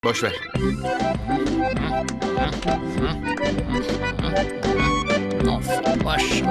Boş ver. Of, boş.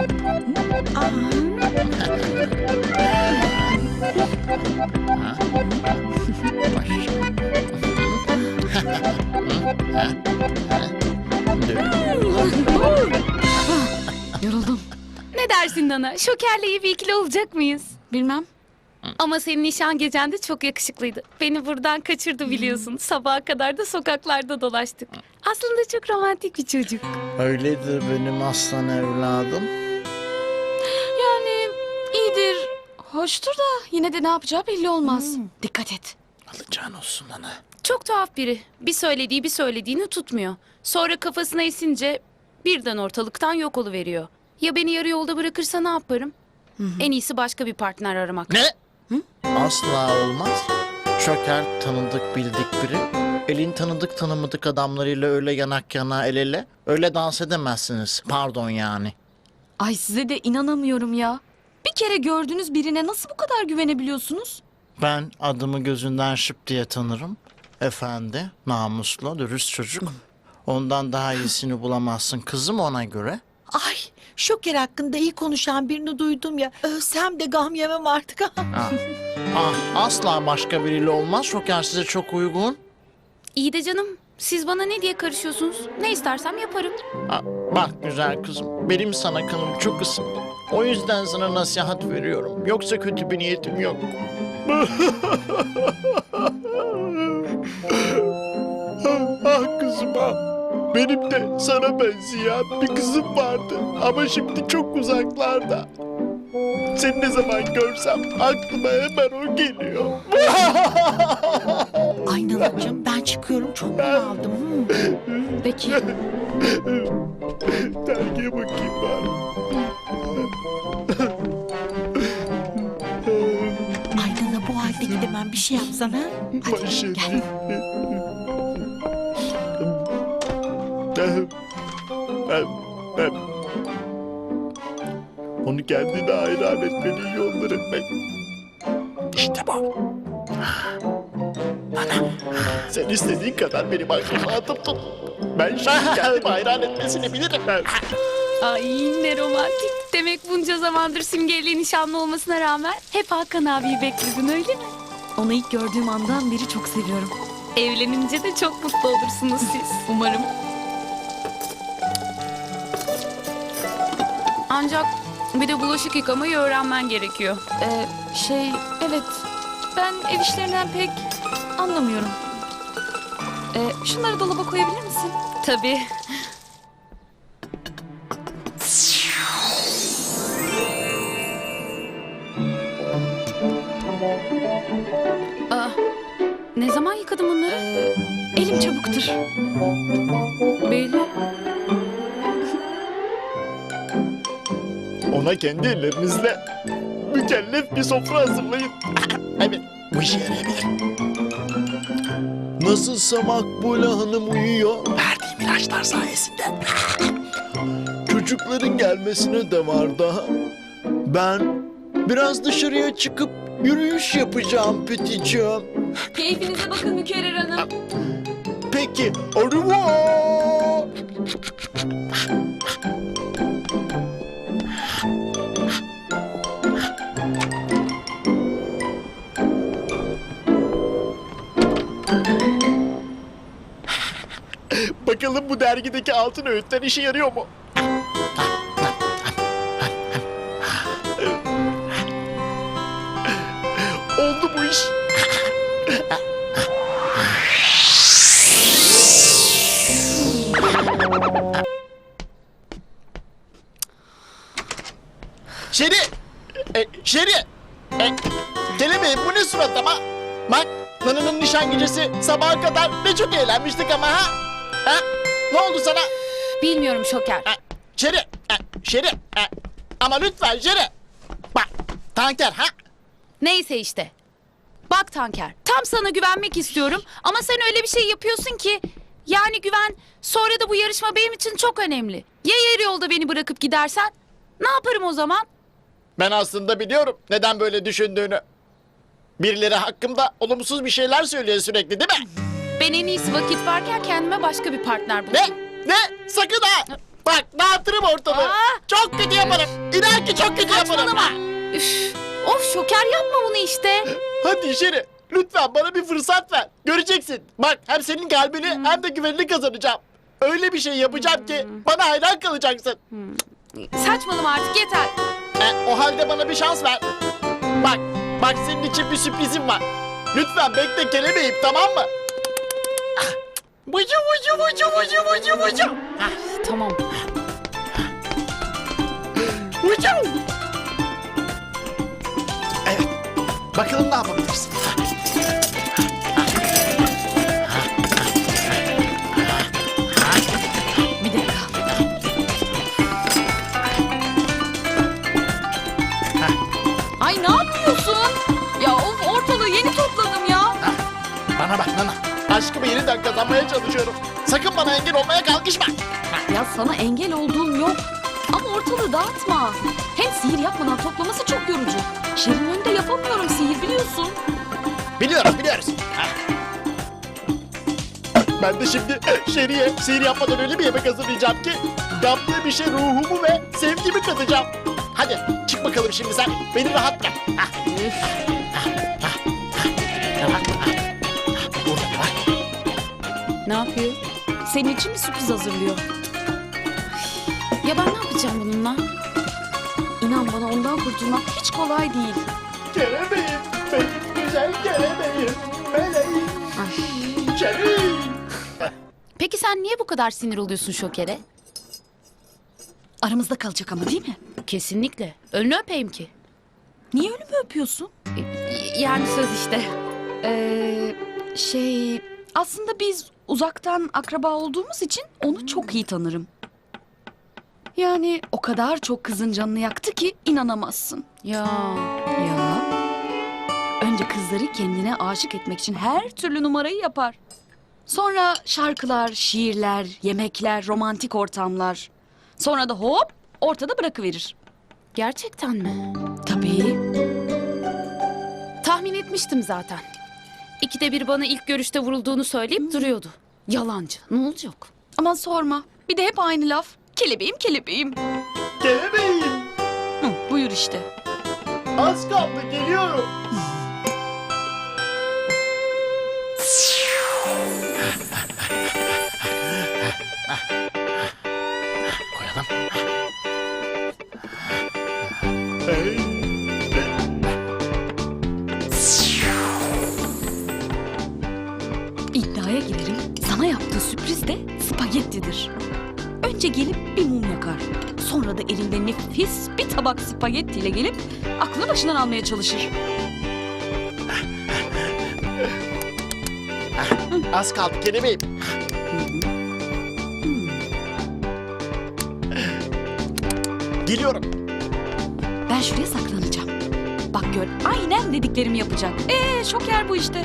Yoruldum. Ne dersin Nana? Şoker'le iyi bir ikili olacak mıyız? Bilmem. Ama senin nişan gecen de çok yakışıklıydı. Beni buradan kaçırdı biliyorsun. Sabaha kadar da sokaklarda dolaştık. Aslında çok romantik bir çocuk. Öyledir benim aslan evladım. Yani iyidir, hoştur da yine de ne yapacağı belli olmaz. Dikkat et. Alacağın olsun ana. Çok tuhaf biri. Bir söylediği bir söylediğini tutmuyor. Sonra kafasına esince birden ortalıktan yok oluveriyor. Ya beni yarı yolda bırakırsa ne yaparım? En iyisi başka bir partner aramak. Ne? Asla olmaz. Şoker tanıdık bildik biri. Elin tanıdık tanımadık adamlarıyla öyle yanak yana el ele. Öyle dans edemezsiniz. Pardon yani. Ay size de inanamıyorum ya. Bir kere gördüğünüz birine nasıl bu kadar güvenebiliyorsunuz? Ben adımı gözünden şıp diye tanırım. Efendi, namuslu, dürüst çocuk. Ondan daha iyisini bulamazsın kızım ona göre. Ay, Şoker hakkında iyi konuşan birini duydum ya. Ölsem de gam yemem artık. Asla başka biriyle olmaz. Şoker size çok uygun. İyi de canım. Siz bana ne diye karışıyorsunuz? Ne istersem yaparım. Bak güzel kızım, benim sana kanım çok ısındı. O yüzden sana nasihat veriyorum. Yoksa kötü bir niyetim yok. Kızım ah. Benim de sana benzeyen bir kızım vardı. Ama şimdi çok uzaklarda. Seni ne zaman görsem aklıma hemen o geliyor. Ay Nanacığım ben çıkıyorum çok bunaldım. Peki. Dergiye bakayım bari. Ay Nana bu halde gidemem bir şey yapsana. Hadi Başım. gel. Onu kendine hayran etmenin yolları ben. İşte bu. Ana, sen istediğin kadar benim aklımı atıp tut. Ben şimdi kendimi hayran etmesini bilirim. Ay ne romantik. Demek bunca zamandır Simge ile nişanlı olmasına rağmen hep Hakan abiyi bekledin öyle mi? Onu ilk gördüğüm andan beri çok seviyorum. Evlenince de çok mutlu olursunuz siz. Umarım. Ancak bir de bulaşık yıkamayı öğrenmen gerekiyor. Evet. Ben ev işlerinden pek anlamıyorum. Şunları dolaba koyabilir misin? Tabii. Ne zaman yıkadın bunları? Elim çabuktur. Belli. Ona kendi ellerinizle mükellef bir sofra hazırlayın. Evet, bu işe yarayabilir. Nasılsa Makbule Hanım uyuyor. Verdiğim ilaçlar sayesinde. Çocukların gelmesine de var daha. Ben biraz dışarıya çıkıp yürüyüş yapacağım Peticiğim. Keyfinize bakın Mükerrer Hanım. Peki, au revoir. Bakalım bu dergideki altın öğütler işe yarıyor mu? Oldu bu iş. Şeri! Şeri! Kelebeğim bu ne surat ama? Bak, Nana'nın nişan gecesi sabaha kadar ne çok eğlenmiştik ama ha? Ha? Ne oldu sana? Bilmiyorum Şoker. Şeri! Şeri! Ama lütfen Şeri! Bak, tanker ha? Neyse işte. Bak Tanker, tam sana güvenmek istiyorum ama sen öyle bir şey yapıyorsun ki... Yani güven, sonra da bu yarışma benim için çok önemli. Ya yarı yolda beni bırakıp gidersen? Ne yaparım o zaman? Ben aslında biliyorum neden böyle düşündüğünü. Birileri hakkımda olumsuz bir şeyler söylüyor sürekli değil mi? Ben en iyisi vakit varken kendime başka bir partner Ne? bulayım. Ne? Sakın ha! Bak dağıtırım ortalığı. Aa! Çok kötü yaparım. İnan ki çok kötü yaparım. Saçmalama. Üf. Of Şoker yapma bunu işte. Hadi Şeri. Lütfen bana bir fırsat ver. Göreceksin. Bak hem senin kalbini hem de güvenini kazanacağım. Öyle bir şey yapacağım ki bana hayran kalacaksın. Saçmalama artık yeter. O halde bana bir şans ver. Bak senin için bir sürprizim var. Lütfen bekle kelebeğim, tamam mı? Vucu vucu vucu vucu vucu vucu. Tamam. Vucu. Evet. Bakalım ne yapabilirsin. Bir dakika. Ay ne yapıyorsun? Ya of ortalığı yeni topladım ya. Bana bak Nana. Aşkımı yeniden kazanmaya çalışıyorum. Sakın bana engel olmaya kalkışma. Ya sana engel olduğum yok. Ama ortalığı dağıtma. Hem sihir yapmadan toplaması çok yorucu. Şirin önünde yapamıyorum sihir biliyorsun. Biliyoruz. Ben de şimdi Şeri'ye sihir yapmadan öyle bir yemek hazırlayacağım ki yaptığı bir şey ruhumu ve sevgimi katacağım. Hadi çık bakalım şimdi sen. Beni rahat bırak. Burada ne var? Ne yapıyor? Senin için bir sürpriz hazırlıyor. Ya ben ne yapacağım bununla? İnan bana ondan kurtulmak hiç kolay değil. Kelebeğim, benim güzel kelebeğim. Meleğim, Ay. Şeri. Peki sen niye bu kadar sinir oluyorsun Şoker'e? Aramızda kalacak ama değil mi? Kesinlikle. Önünü öpeyim ki. Niye ölümü öpüyorsun? Yani söz işte. Aslında biz uzaktan akraba olduğumuz için onu çok iyi tanırım. Yani o kadar çok kızın canını yaktı ki inanamazsın. Ya. Ya. Önce kızları kendine aşık etmek için her türlü numarayı yapar. Sonra şarkılar, şiirler, yemekler, romantik ortamlar. Sonra da hop ortada bırakıverir. Gerçekten mi? Tabii. Tahmin etmiştim zaten. İkide bir bana ilk görüşte vurulduğunu söyleyip duruyordu. Yalancı. Ne olacak? Aman sorma. Bir de hep aynı laf. Kelebeğim kelebeğim. Kelebeğim, Hı, buyur işte. az kaldı geliyorum. Koyalım. İddiaya girerim. Sana yaptığı sürpriz de spagettidir. Önce gelip bir mum yakar. Sonra da elinde nefis bir tabak spagettiyle gelip aklını başından almaya çalışır. Az kaldı kelebeğim. Geliyorum. Ben şuraya saklanacağım. Bak gör aynen dediklerimi yapacak. Şoker bu işte.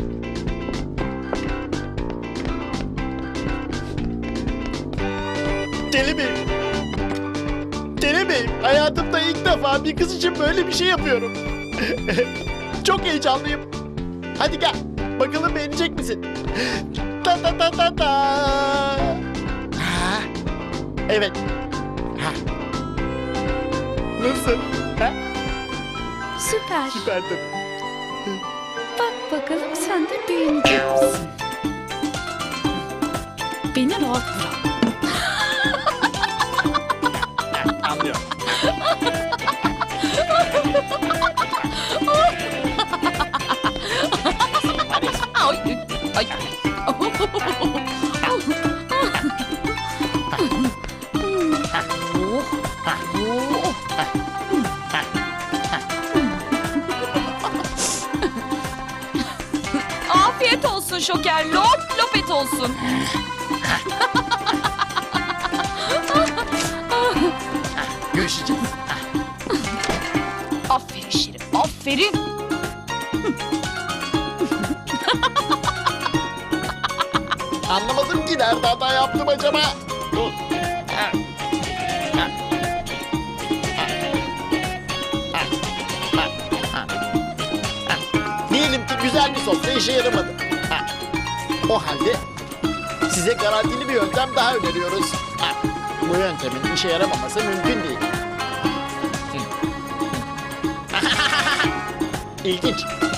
Kelebeğim. Kelebeğim, hayatımda ilk defa bir kız için böyle bir şey yapıyorum. Çok heyecanlıyım. Hadi gel, bakalım beğenecek misin? Ta ta ta ta ta. Ha, evet. Ha. Nasıl? Ha? Süper. Süperdim. Bak bakalım sen de beğenecek misin? Beni rahat bırak. Anlıyorum. Ay, ay. Afiyet olsun Şoker. Lop lop et olsun. Görüşeceğiz. Aferin Şirin. Aferin. Anlamadım ki nerede hata yaptım acaba? Diyelim ki güzel bir sofra işe yaramadı. O halde size garantili bir yöntem daha öneriyoruz. Ha, bu yöntemin işe yaramaması mümkün değil. İlginç.